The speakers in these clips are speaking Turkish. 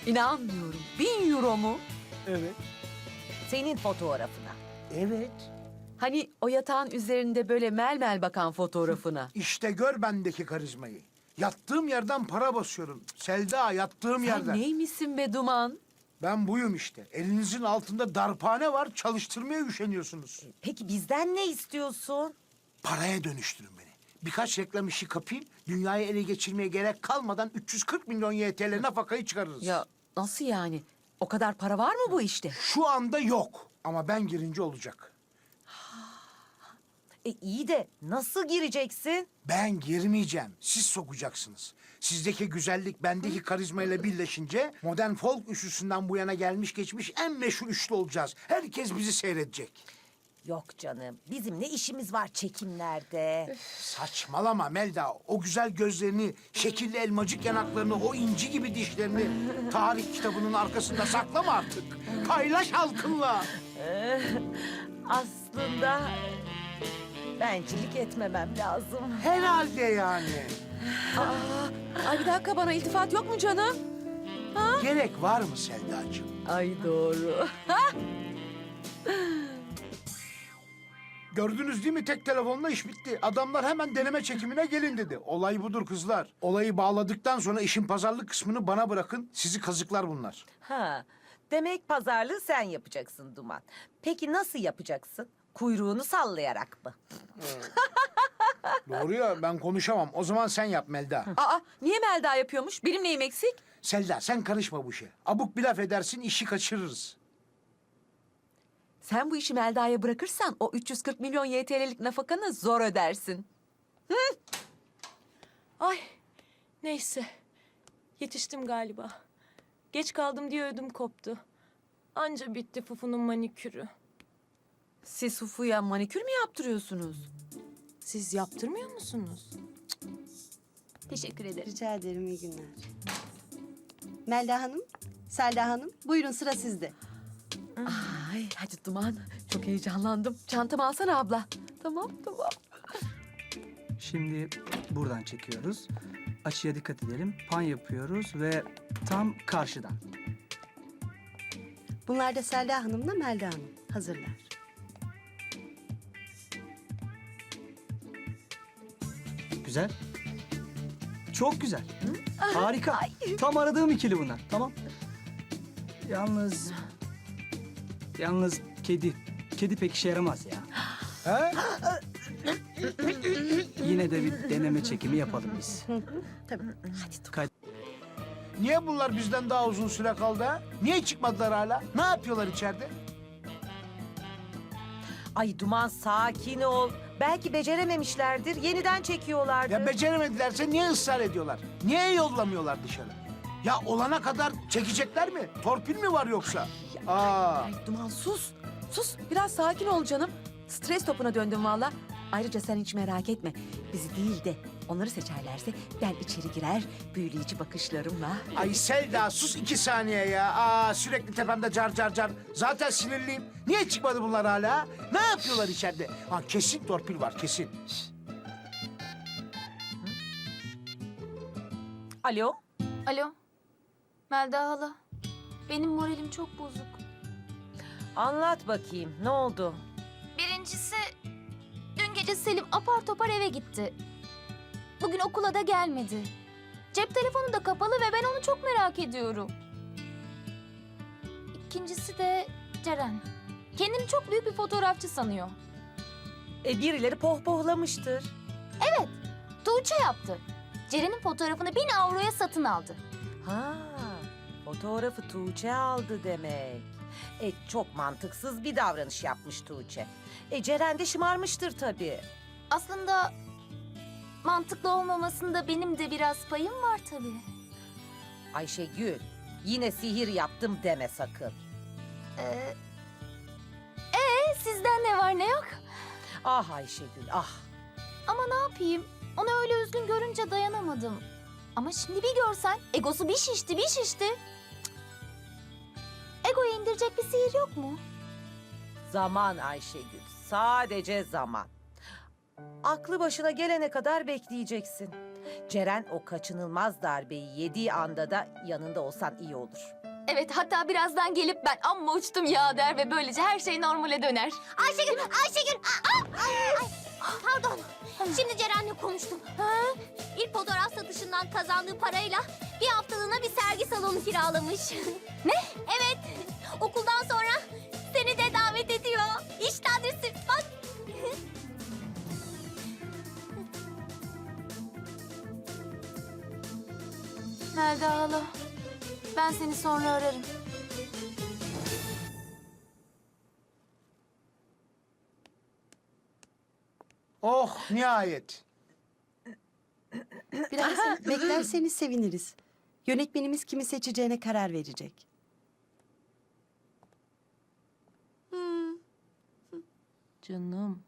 İnanmıyorum. 1.000 euro mu? Evet. Senin fotoğrafına. Evet. Hani o yatağın üzerinde böyle mel mel bakan fotoğrafına. İşte gör bendeki karizmayı. Yattığım yerden para basıyorum. Selda, yattığım Sen yerden. neymişsin be Duman? Ben buyum işte. Elinizin altında darphane var, çalıştırmaya üşeniyorsunuz. Peki bizden ne istiyorsun? Paraya dönüştürün beni. Birkaç reklam işi kapayım, dünyayı ele geçirmeye gerek kalmadan 340 milyon YTL nafakayı çıkarırız. Ya nasıl yani? O kadar para var mı bu işte? Şu anda yok ama ben girince olacak. İyi de nasıl gireceksin? Ben girmeyeceğim, siz sokacaksınız. Sizdeki güzellik bendeki karizmayla birleşince modern folk üçlüsünden bu yana gelmiş geçmiş en meşhur üçlü olacağız. Herkes bizi seyredecek. Yok canım. Bizim ne işimiz var çekimlerde? Saçmalama Melda. O güzel gözlerini, şekilli elmacık yanaklarını, o inci gibi dişlerini tarih kitabının arkasında saklama artık. Paylaş halkınla. Aslında bencillik etmemem lazım. Herhalde yani. Ay bir dakika, bana iltifat yok mu canım? Gerek var mı Selda'cığım? Ay doğru. Gördünüz değil mi, tek telefonla iş bitti. Adamlar hemen deneme çekimine gelin dedi. Olay budur kızlar. Olayı bağladıktan sonra işin pazarlık kısmını bana bırakın. Sizi kazıklar bunlar. Ha, demek pazarlığı sen yapacaksın Duman. Peki nasıl yapacaksın? Kuyruğunu sallayarak mı? Doğru ya, ben konuşamam. O zaman sen yap Melda. Aa, niye Melda yapıyormuş? Benim neyim eksik? Selda, sen karışma bu işe. Abuk bir laf edersin, işi kaçırırız. Sen bu işi Melda'ya bırakırsan o 340 milyon YTL'lik nafakanı zor ödersin. Ay neyse. Yetiştim galiba. Geç kaldım diye ödüm koptu. Anca bitti Fufu'nun manikürü. Siz Fufu'ya manikür mü yaptırıyorsunuz? Siz yaptırmıyor musunuz? Teşekkür ederim. Rica ederim, iyi günler. Melda Hanım, Selda Hanım, buyurun sıra sizde. Ay hadi Duman, çok heyecanlandım. Çantamı alsana abla. Tamam. Şimdi buradan çekiyoruz. Açıya dikkat edelim. Pan yapıyoruz ve tam karşıdan. Bunlar da Selda Hanım'la Melda Hanım. Hazırlar. Güzel. Çok güzel. Harika. Tam aradığım ikili bunlar. Tamam. Yalnız kedi. Kedi pek işe yaramaz ya. He? Yine de bir deneme çekimi yapalım biz. Tabii. Niye bunlar bizden daha uzun süre kaldı ha? Niye çıkmadılar hala? Ne yapıyorlar içeride? Ay Duman sakin ol. Belki becerememişlerdir. Yeniden çekiyorlardır. Ya beceremedilerse niye ısrar ediyorlar? Niye yollamıyorlar dışarı? Ya olana kadar çekecekler mi? Torpil mi var yoksa? Aa. Ay Duman sus. Sus, biraz sakin ol canım. Stres topuna döndüm valla. Ayrıca sen hiç merak etme. Bizi değil de onları seçerlerse ben içeri girer, büyüleyici bakışlarımla. Ay Selda, sus 2 saniye ya. Aa, sürekli tepemde car car car. Zaten sinirliyim. Niye çıkmadı bunlar hala? Ne yapıyorlar içeride? Ha, kesin torpil var, kesin. Alo? Alo. Melda hala. Benim moralim çok bozuk. Anlat bakayım. Ne oldu? Birincisi, dün gece Selim apar topar eve gitti. Bugün okula da gelmedi. Cep telefonu da kapalı ve ben onu çok merak ediyorum. İkincisi de Ceren. Kendini çok büyük bir fotoğrafçı sanıyor. Birileri pohpohlamıştır. Tuğçe yaptı. Ceren'in fotoğrafını 1000 avroya satın aldı. Ha, fotoğrafı Tuğçe aldı demek. Çok mantıksız bir davranış yapmış Tuğçe. Ceren de şımarmıştır tabii. Aslında mantıklı olmamasında benim de biraz payım var tabii. Ayşegül, yine sihir yaptım deme sakın. Sizden ne var ne yok? Ah Ayşegül, ah. Ama ne yapayım? Onu öyle üzgün görünce dayanamadım. Ama şimdi bir görsen egosu bir şişti. Cık. Egoyu indirecek bir sihir yok mu? Zaman Ayşegül, sadece zaman. Aklı başına gelene kadar bekleyeceksin. Ceren o kaçınılmaz darbeyi yediği anda da yanında olsan iyi olur. Evet, hatta birazdan gelip ben amma uçtum ya der ve böylece her şey normale döner. Ayşegül! Ay, pardon. Şimdi Ceren'le konuştum. İlk fotoğraf satışından kazandığı parayla bir haftalığına bir sergi salonu kiralamış. Ne? Evet. Okuldan sonra seni de davet ediyor. İşte adresi. Bak. Melda hala, ben seni sonra ararım. Oh nihayet. Biraz beklerseniz seviniriz. Yönetmenimiz kimi seçeceğine karar verecek. Canım.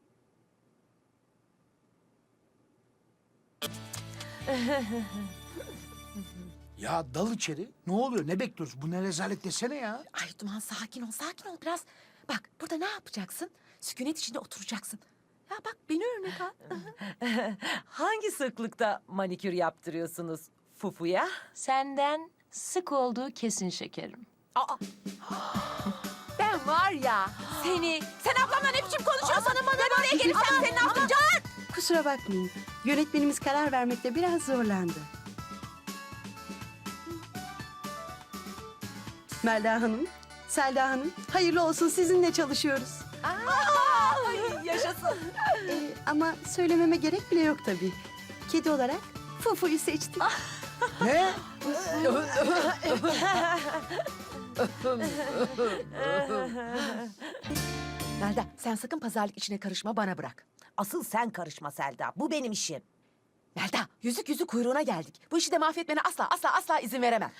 Ya dal içeri. Ne oluyor? Ne bekliyoruz? Bu ne rezalet desene ya. Ay Duman sakin ol, sakin ol biraz. Bak burada ne yapacaksın? Sükunet içinde oturacaksın. Ya bak beni örnek al. Hangi sıklıkta manikür yaptırıyorsunuz Fufu'ya? Senden sık olduğu kesin şekerim. Aa. Ben var ya seni... Sen ablamla ne biçim konuşuyorsun? Ben oraya gelirsem seni ne yapacağım? Kusura bakmayın. Yönetmenimiz karar vermekte biraz zorlandı. Melda Hanım, Selda Hanım, hayırlı olsun sizinle çalışıyoruz. Ay, yaşasın. Ama söylememe gerek bile yok tabii. Kedi olarak Fufu'yu seçtim. Ne? Melda sen sakın pazarlık içine karışma, bana bırak. Asıl sen karışma Selda. Bu benim işim. Melda yüzük yüzük kuyruğuna geldik. Bu işi de mahvetmene asla izin veremem.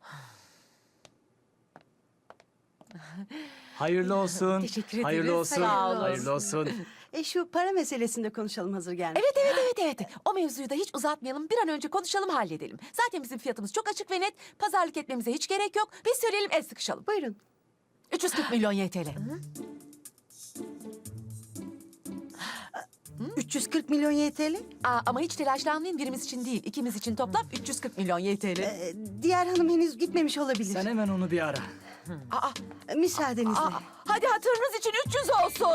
Hayırlı olsun. Teşekkür ederiz. Hayırlı olsun. Sağ olun. Hayırlı olsun. Şu para meselesinde konuşalım hazır gelmiş. Evet. O mevzuyu da hiç uzatmayalım. Bir an önce konuşalım, halledelim. Zaten bizim fiyatımız çok açık ve net. Pazarlık etmemize hiç gerek yok. Biz söyleyelim, el sıkışalım. Buyurun. 340 milyon YTL. 340 milyon YTL. Ama hiç telaşlanmayın, birimiz için değil. İkimiz için toplam 340 milyon YTL. Diğer hanım henüz gitmemiş olabilir. Sen hemen onu bir ara. Müsaadenizle. Hadi hatırınız için 300 olsun.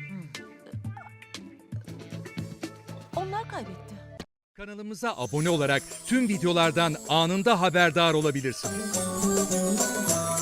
Onlar kaybetti. Kanalımıza abone olarak tüm videolardan anında haberdar olabilirsiniz.